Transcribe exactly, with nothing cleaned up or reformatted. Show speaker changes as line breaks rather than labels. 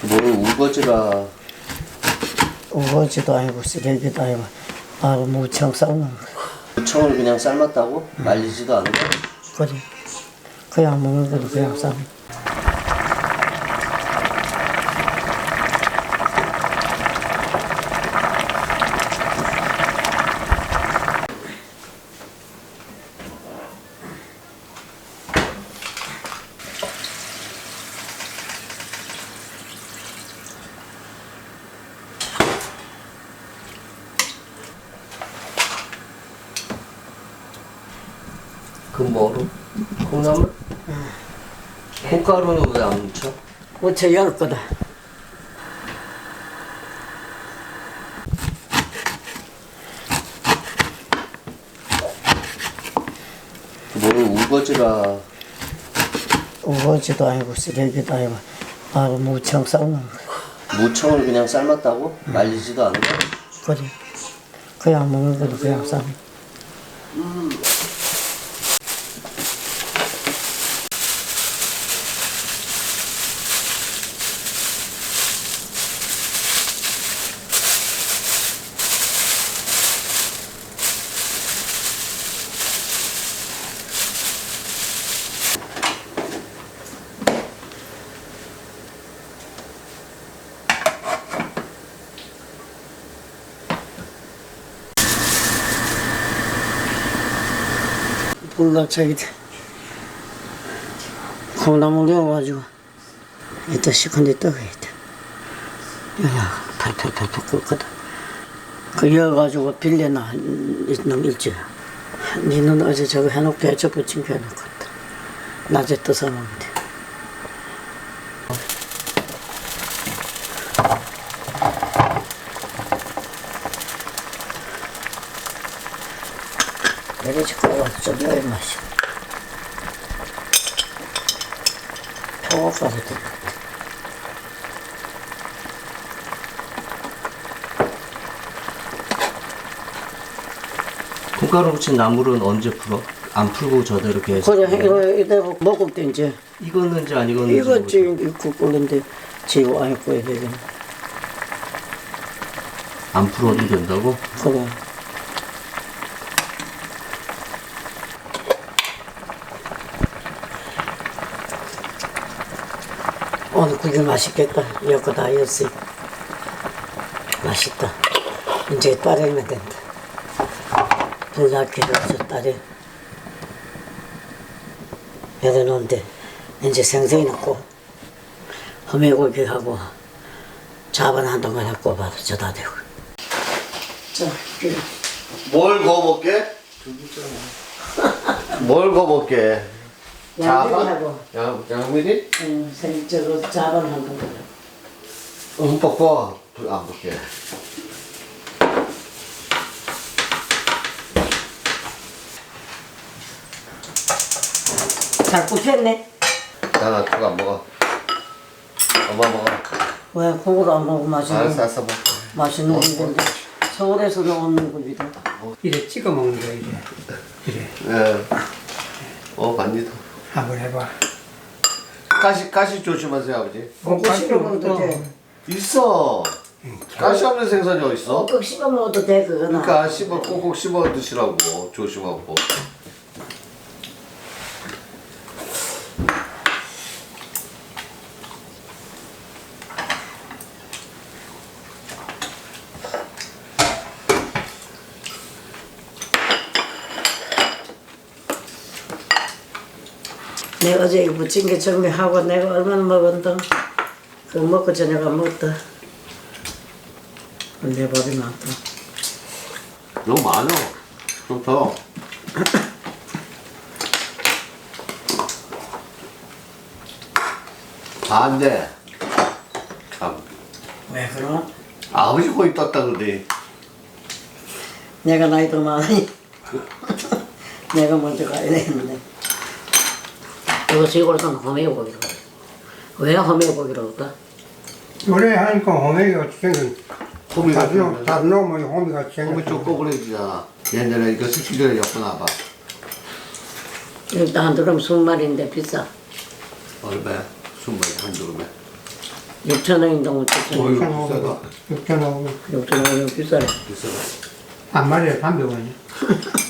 뭘 우거지라.
우거지도 아니고 쓰레기도 아니고 바로 무청 삶는 거야.
무청을 그냥 삶았다고?
응.
말리지도 않고?
그래. 그냥 먹는 거도 그냥 삶.
그 뭐로? 콩나물?
응.
콩가루는 왜 안 묻혀?
무쳐 열 거다.
뭘 우거지라.
우거지도 아니고 쓰레기도 아니고 바로 무청 삶는 거야.
무청을 그냥 삶았다고?
응.
말리지도 않고?
그래. 그냥 먹는 거도 그냥 삶.
음.
불러 저기 콩나물 넣어가지고 이따 시큰데 떠가야 돼. 야, 팔팔팔팔 끓거든. 그 여가지고 빌려놔 놈 일주일. 니는 어제 저거 해놓고 해쳐 부친 거 해놓거든. 낮에 떠서 먹으면 돼. 내려지 끓여가지고 좀 넣어야 맛이. 표고가루 될 것 같아.
콩가루 묻힌 나물은 언제 풀어? 안 풀고 저대로 계속?
그래, 이거, 이대로 먹을 때 이제.
익었는지 안 익었는지
이거 지금 익고 끓는데 지고 안 익고 해야 되겠네.
안 풀어도 된다고?
그래. 오늘 국이 맛있겠다. 이거 다 익었어. 맛있다. 이제 따르면 된다. 불 낮게 해서 따르. 배려놓은데 이제 생선이 넣고 허매고기하고 자반 한 동안 해고 봐도 저다 되고. 자, 그래.
뭘 거볼게? 뭘 거볼게?
양미리하고
양, 양미리?
응, 생, 저거 자반 한 동안.
흠뻑 봐. 안 볼게.
잘 굽혔네.
나는 그거 안 먹어. 엄마 먹어.
왜 그거도 안 먹고 맛있는
알았어, 알았어 먹어.
맛있는 건데 서울에서도 없는 겁니다.
이래 찍어 먹는 거야 이래. 이래.
예. 어, 반니도.
한번 해봐.
가시, 가시 조심하세요, 아버지.
꼭꼭 씹어 먹어도 돼.
있어. 가시 없는 생선이 어딨어?
꼭꼭 씹어 먹어도 돼 그거는.
그러니까 씹어, 꼭꼭 씹어 드시라고. 조심하고.
내가 어제 이거 부친 게 정리하고 내가 얼마나 먹었던 그거 먹고 저녁 안 먹었다. 내 밥이 많다.
너무 많아. 좀 더. 안 돼. 참.
왜 그럼?
아버지 거의 떴다 그러대.
내가 나이 더 많으니 내가 먼저 가야 되는데. 이거 시골에서는 허매고기라고 그래. 왜 허매고기라고 할까?
노래 하니까 호미가 생긴.
호미가
다시
생긴
다시 놓으면 호미가
호미
생긴.
좀 꼬부러지잖아. 옛날에 이거 스키 전에 엮어놔봐.
일단 한 드럼 스무 마리인데 비싸.
얼마야? 스무 마리 한 드럼에.
육천 원인데 어쨌든
어휴,
육천오백
비싸다.
원. 육천오백 원.
육천 원이면 비싸네.
비싸다.
한 마리에 삼백 원이야.